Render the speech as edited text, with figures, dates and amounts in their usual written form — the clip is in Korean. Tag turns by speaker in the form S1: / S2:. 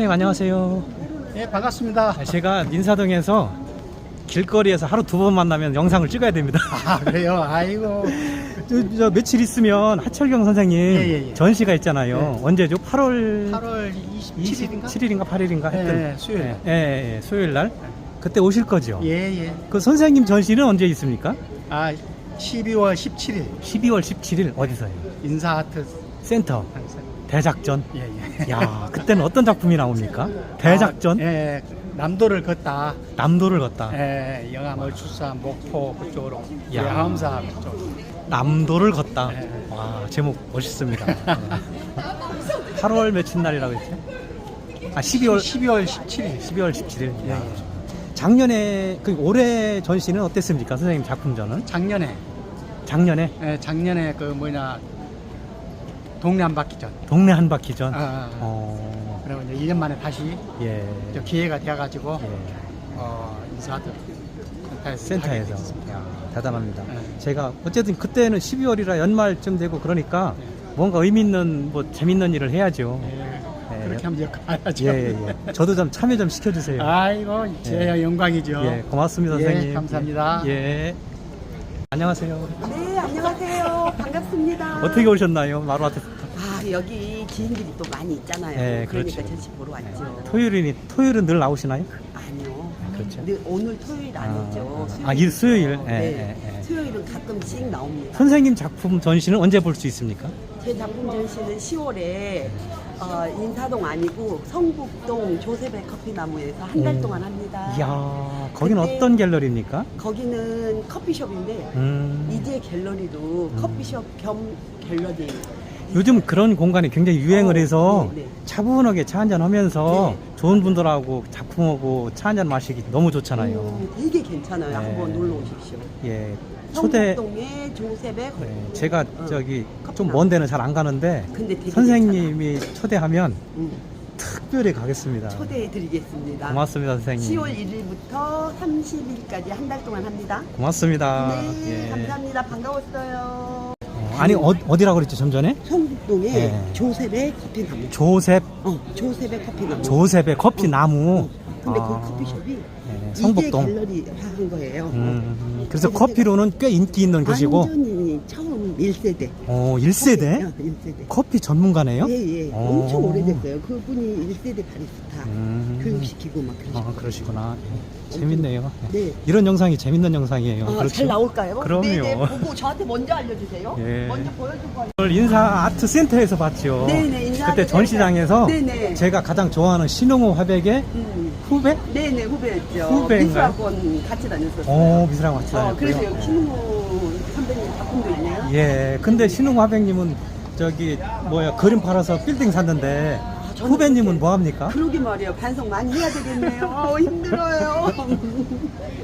S1: 선생님 안녕하세요.
S2: 네, 반갑습니다.
S1: 제가 인사동에서 길거리에서 하루 2번 만나면 영상을 찍어야 됩니다.
S2: 아, 그래요? 아이고.
S1: 저 며칠 있으면 하철경 선생님
S2: 예.
S1: 전시가 있잖아요.
S2: 네.
S1: 언제죠? 8월
S2: 27일인가?
S1: 7일인가 8일인가 했던
S2: 네, 수요일.
S1: 수요일 날. 그때 오실 거죠?
S2: 예.
S1: 그 선생님 전시는 언제 있습니까?
S2: 아, 12월 17일
S1: 12월 17일 어디서요?
S2: 인사아트
S1: 센터 대작전.
S2: 예.
S1: 야, 그때는 어떤 작품이 나옵니까? 대작전.
S2: 예. 남도를 걷다.
S1: 남도를 걷다.
S2: 예, 영암 얼추산 목포 그쪽으로.
S1: 야.
S2: 양암사 그쪽.
S1: 남도를 걷다.
S2: 네.
S1: 와, 제목 멋있습니다. 8월 며칠 날이라고 했죠? 아, 12월
S2: 17일.
S1: 12월 17일.
S2: 예.
S1: 작년에 올해 전시는 어땠습니까? 선생님 작품전은?
S2: 작년에
S1: 작년에
S2: 그 동네 한 바퀴전.
S1: 동네 한 바퀴전.
S2: 그리고 이제 1년 만에 다시
S1: 예.
S2: 저 기회가 되어가지고
S1: 예.
S2: 인사아트
S1: 센터에서. 야, 대단합니다.
S2: 네.
S1: 제가 어쨌든 그때는 12월이라 연말쯤 되고 그러니까
S2: 네.
S1: 뭔가 의미 있는 재밌는 일을 해야죠.
S2: 예. 그렇게 하면 가야죠.
S1: 예. 저도 좀 참여 좀 시켜주세요.
S2: 아이고, 제 영광이죠.
S1: 예, 고맙습니다,
S2: 예,
S1: 선생님.
S2: 감사합니다.
S1: 예. 안녕하세요.
S3: 네, 안녕하세요. 반갑습니다.
S1: 어떻게 오셨나요? 마루아트.
S3: 아, 여기 긴 길이 또 많이 있잖아요.
S1: 네,
S3: 그러니까
S1: 그렇죠.
S3: 전시 보러 왔죠.
S1: 토요일은 늘 나오시나요?
S3: 아니요.
S1: 그렇죠.
S3: 오늘 토요일 아니죠.
S1: 수요일.
S3: 네.
S1: 예.
S3: 수요일은 가끔씩 나옵니다.
S1: 선생님 작품 전시는 언제 볼 수 있습니까?
S3: 제 작품 전시는 10월에 인사동 아니고 성북동 조셉의 커피나무에서 한 달 동안 합니다.
S1: 이야, 거기는
S3: 그때-
S1: 어떤 갤러리입니까?
S3: 거기는 커피숍인데 이제 갤러리도 커피숍 겸 갤러리.
S1: 요즘 그런 공간이 굉장히 유행을 해서
S3: 네.
S1: 차분하게 차 한잔 하면서
S3: 네.
S1: 좋은 분들하고 작품하고 차 한잔 마시기 너무 좋잖아요.
S3: 되게 괜찮아요.
S1: 네.
S3: 한번 놀러 오십시오.
S1: 예. 초대,
S3: 성북동의 조셉의 커피.
S1: 제가 좀
S3: 커피나무.
S1: 먼 데는 잘 안 가는데
S3: 근데 되게
S1: 선생님이 초대하면
S3: 괜찮아.
S1: 특별히 가겠습니다.
S3: 초대해 드리겠습니다.
S1: 고맙습니다, 선생님.
S3: 10월 1일부터 30일까지 한 달 동안 합니다.
S1: 고맙습니다.
S3: 네,
S1: 예.
S3: 감사합니다. 반가웠어요.
S1: 아니, 어디라고 그랬죠, 좀 전에?
S3: 성북동의
S1: 네.
S3: 조셉의 커피나무. 조셉의 커피나무.
S1: 조셉의 커피 나무.
S3: 근데
S1: 아.
S3: 그 커피숍이
S1: 네, 성북동.
S3: 이제 갤러리 한 거예요.
S1: 그래서 커피로는 꽤 인기 있는 곳이고.
S3: 완전히 처음 1세대.
S1: 1세대?
S3: 1세대.
S1: 커피 전문가네요?
S3: 예. 엄청 오래됐어요. 그분이 1세대 바리스타 교육시키고 막 그러시고.
S1: 그러시구나. 재밌네요.
S3: 네.
S1: 이런 영상이 재밌는 영상이에요. 그렇죠?
S3: 잘 나올까요?
S1: 그럼요.
S3: 네네, 보고 저한테 먼저 알려주세요.
S1: 예.
S3: 먼저 보여주고.
S1: 오늘 인사 아트 센터에서 봤죠.
S3: 네네, 인사
S1: 그때
S3: 아트
S1: 전시장에서
S3: 네네.
S1: 제가 가장 좋아하는 신흥호 화백의 후배?
S3: 네네, 후배였죠.
S1: 후배인가요?
S3: 미술학원 같이 다녔었어요.
S1: 미술학원 같이 다녔고요.
S3: 그래서 여기 신웅호 선배님 작품도 있네요.
S1: 예, 근데 신흥호 화백님은 그림 팔아서 빌딩 샀는데
S3: 저는
S1: 후배님은
S3: 그렇게-
S1: 뭐 합니까?
S3: 그러게 말이에요. 반성 많이 해야 되겠네요. 힘들어요.